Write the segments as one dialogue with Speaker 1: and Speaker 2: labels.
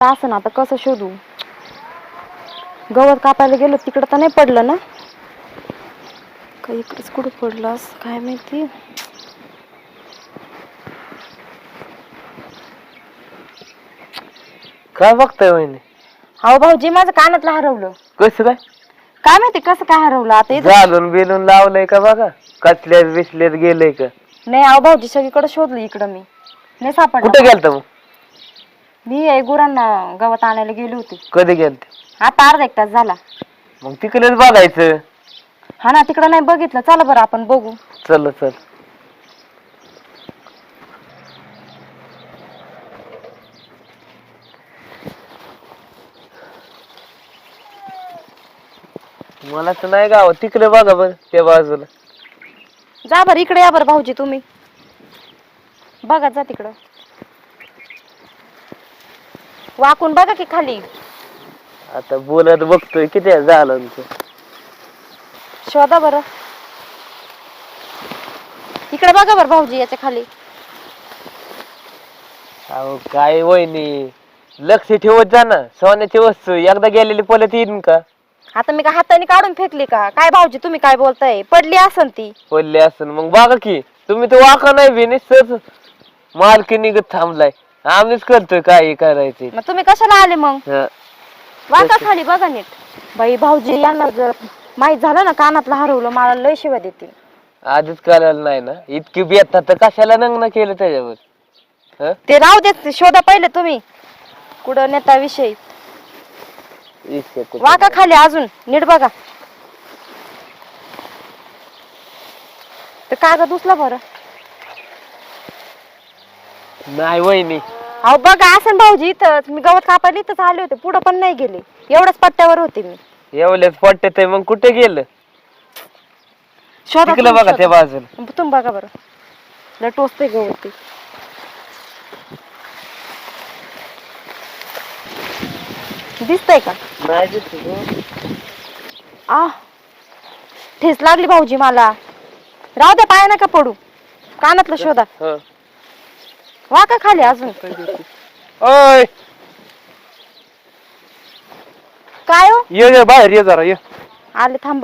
Speaker 1: असं ना आता कसं शोधू? गवत कापायला गेलो तिकडं तर नाही पडलं ना? का इकडेच कुठं पडलं असं काय माहिती.
Speaker 2: काय बघताय वहिनी?
Speaker 1: अहो भाऊजी माझं कानातलं हरवलं.
Speaker 2: कसं काय?
Speaker 1: काय माहिती कसं काय हरवलं आता इथं.
Speaker 2: घालून बिलून लावलंय का बघा, कचल्यात बिसल्यात गेलंय का?
Speaker 1: नाही अहो भाऊजी सगळीकडे शोधलं इकडं मी नाही सापडलं.
Speaker 2: कुठे गेलता मग?
Speaker 1: मी गुरांना गवत आणायला गेली होती.
Speaker 2: कधी गेलते?
Speaker 1: आता अर्धा एक तास झाला.
Speaker 2: मग तिकडेच बघायचं.
Speaker 1: हा ना तिकडं नाही बघितलं. चला बरं आपण बघू.
Speaker 2: चल चल. मला तर नाही गाव तिकडे बघा बरं त्या बाजूला.
Speaker 1: जा बरं इकडे या बरं भाऊजी तुम्ही बघा जा तिकडं वाकून बघा की खाली.
Speaker 2: आता बोलत बघतोय किती झालं
Speaker 1: शोधा बरं इकडे बघा बरं भाऊजी याच्या खाली.
Speaker 2: अहो काय वहिनी, लक्ष ठेवत जा ना. सोन्याची वस्तू एकदा गेलेली परत येईन का?
Speaker 1: आता मी का हाताने काढून फेकली का काय भाऊजी तुम्ही काय बोलताय? पडली असन ती.
Speaker 2: पडली असेल मग बघा की. तुम्ही तर वाका नाही बी निसच मालकी निघत थांबलाय. आम्हीच करतोय काय करायचे.
Speaker 1: मग तुम्ही कशाला आले मग?
Speaker 2: हा.
Speaker 1: वाका खाली बघा नीट. बाई भाऊजी यांना जर माहित झालं ना कानातलं हरवलं मला लय शिव्या देतील.
Speaker 2: आधीच करायला नाही ना इतकी बेता तर कशाला नग्न केलं त्याच्यावर? हं?
Speaker 1: ते राहू देत शोधा पहिले तुम्ही कुठं नेता विषयी.
Speaker 2: इतके कुठं.
Speaker 1: वाका खाली अजून नीट बघा. ते कागद उचला बरं.
Speaker 2: नाही वहिनी.
Speaker 1: अहो बघा असं भाऊजी इथंच मी गवत कापायला इथंच आले होते पुढं पण नाही गेले एवढ्याच पट्ट्यावर होते मी.
Speaker 2: एवढेच पट्टे ते मग कुठे गेलं?
Speaker 1: शोधा
Speaker 2: तिकडे बघा त्या बाजूला.
Speaker 1: तुम्ही बघा बरं लय टोचते गवत ते. दिसतंय का?
Speaker 2: नाही दिसत.
Speaker 1: आ ठेस लागली भाऊजी मला. राहू द्या पाया नका पडू. कानातलं शोधा.
Speaker 2: हं.
Speaker 1: वाका खाली अजून.
Speaker 2: ओय
Speaker 1: काय हो?
Speaker 2: ये बाहेर ये जरा ये.
Speaker 1: आले थांबा.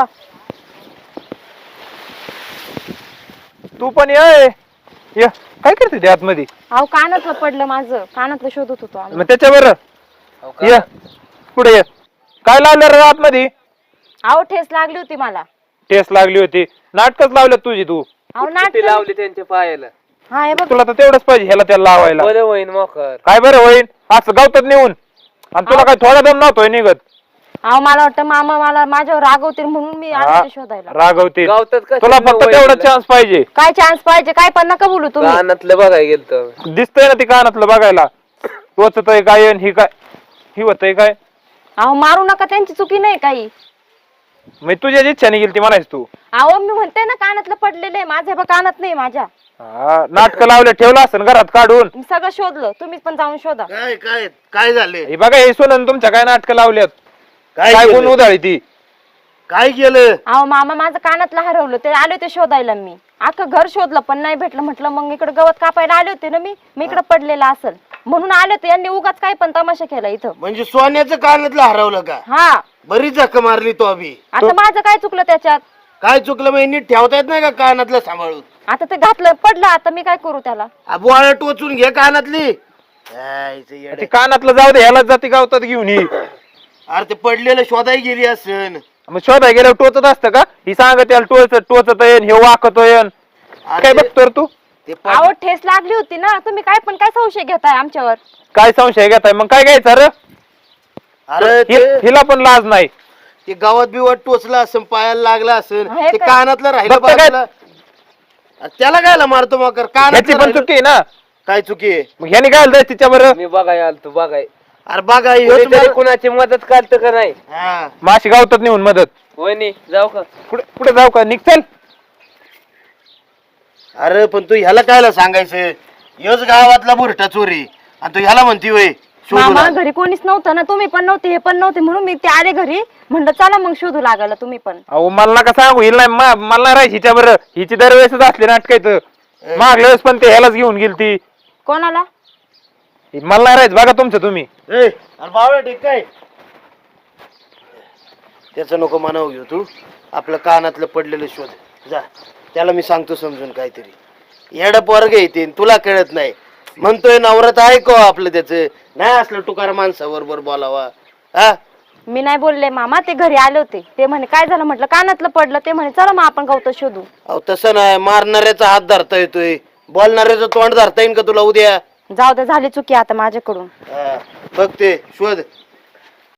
Speaker 2: तू पण ये. काय करते ते आतमध्ये?
Speaker 1: अहो कानातलं पडलं माझं. कानातलं शोधत होतो आम्ही.
Speaker 2: मग त्याच्यावर ये पुढे ये. काय लावलं रे आतमध्ये?
Speaker 1: अहो ठेस लागली होती मला.
Speaker 2: टेस्ट लागली होती. नाटकच लावलं तुझी तू.
Speaker 1: अहो नाटक
Speaker 2: लावली त्यांच्या पायाला.
Speaker 1: हा हे बघ
Speaker 2: तुला तर तेवढंच पाहिजे ह्याला त्याला लावायला. बरं होईन मोकर. काय बरं होईन असं गावतात नेऊन. आणि तुला काय थोडा दम नव्हतोय निघत.
Speaker 1: अहो मला वाटतं मामा मला माझ्यावर रागवतील म्हणून मी आले ते शोधायला.
Speaker 2: रागवतील. तुला फक्त तेवढा चान्स पाहिजे.
Speaker 1: काय चान्स पाहिजे काय पण नका बोलू तुम्ही.
Speaker 2: कानातलं बघायला गेलतो. दिसतंय ना ती कानातलं बघायला. टोचतय काय आणि ही काय ही होतय काय?
Speaker 1: अहो मारू नका त्यांची चुकी नाही काही.
Speaker 2: मग तुझ्या इच्छाने गेली ती म्हणायच तू.
Speaker 1: अहो मी म्हणते ना कानातलं पडलेलं आहे माझ्या बा कानात नाही माझ्या.
Speaker 2: नाटक लावलं ठेवलं असं घरात काढून.
Speaker 1: मी सगळं शोधलं तुम्ही पण जाऊन शोधा.
Speaker 3: काय काय काय झाले?
Speaker 2: हे बघा हे सोनन तुमच्या काय नाटक लावल्यात. काय गुण उधळी ती.
Speaker 3: काय केलं?
Speaker 1: अहो मामा माझं कानातलं हरवलं ते आले होते शोधायला मी. अख्खं घर शोधलं पण नाही भेटलं म्हटलं मग इकडे गवत कापायला आले होते ना मी इकडे पडलेलं असेल म्हणून आले होते. यांनी उगाच काय पण तमाशा केला इथं.
Speaker 3: म्हणजे सोन्याचं कानातलं हरवलं का?
Speaker 1: हा
Speaker 3: बरी जख मारली तो अभि.
Speaker 1: आता माझं काय चुकलं त्याच्यात?
Speaker 3: काय चुकलं मग नीट ठेवता येत नाही का कानातलं सांभाळून?
Speaker 1: आता ते घातलं पडलं आता मी काय करू त्याला?
Speaker 3: बोळा टोचून घे कानातली. यायचं येडं.
Speaker 2: ते कानातलं जाऊ दे ह्याला जाती गावतात घेऊन ये.
Speaker 3: अरे ते पडलेलं शोधाय गेली असन.
Speaker 2: मग शोधाय गेल्यावर टोचत असतं का? ही सांगत त्याला टोचत येन हे वाकत येन. काय बघतो तू?
Speaker 3: ते
Speaker 1: अहो ठेस लागली होती ना तुम्ही काय पण काय संशय घेताय आमच्यावर?
Speaker 2: काय संशय घेताय मग काय घ्यायचं रे?
Speaker 3: अरे
Speaker 2: हिला पण लाज नाही.
Speaker 3: ते गावात बिवात टोचला असन पायाला लागला असन
Speaker 1: हे
Speaker 3: ते
Speaker 1: काय?
Speaker 3: कानातलं राहिलं
Speaker 2: फक्त काय?
Speaker 3: बाजूला. अरे त्याला कायला मारतो मग
Speaker 2: ह्याची
Speaker 3: कानातलं
Speaker 2: पण
Speaker 3: राहिलं.
Speaker 2: चुकी आहे ना.
Speaker 3: काय चुकी आहे?
Speaker 2: मग ह्याने काय जायचं तिच्या बरं? मी बघाय आलतो बघाय.
Speaker 3: अरे बघा ह्योच मार-
Speaker 2: कुणाची मदत करतं का नाही?
Speaker 3: हा.
Speaker 2: माशी गावतात नेऊन मदत. वहिनी जाऊ का? कुठे जाऊ का? निघचल.
Speaker 3: अरे पण तू ह्याला कायला सांगायचं? योच गावातला बुरटा चोरी आणि तू ह्याला म्हणती वय
Speaker 1: मामा घरी कोणीच नव्हतं ना तुम्ही पण नव्हते हे पण नव्हते म्हणून मी ते आले घरी म्हणलं चला मग शोधू लागायला तुम्ही पण.
Speaker 2: अहो मला नका सांगू हिला नाही मला नाही राहायची हिच्या बरं. हिची दरवेळेसच असली नाटकायचं. मागल्या वेळेस पण ते ह्यालाच घेऊन गेली ती.
Speaker 1: कोणाला?
Speaker 4: मला नाही राहायचं बघा तुमचं तुम्ही.
Speaker 3: ए अरे बावळा ठीक काय त्याचं नको म्हणावं घेऊ तू. आपलं कानातलं पडलेलं शोध जा. त्याला मी सांगतो समजून काहीतरी. येडं पोरग येते तुला कळत नाही म्हणतोय नवरात ऐको आपलं त्याचं. नाही असलं टुकार माणसाबरोबर बोलावा. हा
Speaker 1: मी नाही बोलले मामा, ते घरी आले होते. ते म्हणे काय झालं, म्हटलं कानातलं पडलं. ते म्हणे चला मग आपण गवत शोधू.
Speaker 3: अहो तसं नाही. मारणाऱ्याचा हात धरता येतोय, बोलणाऱ्याचं तोंड धरता येईन का तुला उद्या?
Speaker 1: जाऊ दे, झाली चुकी आता माझ्याकडून.
Speaker 3: बघ ते शोध.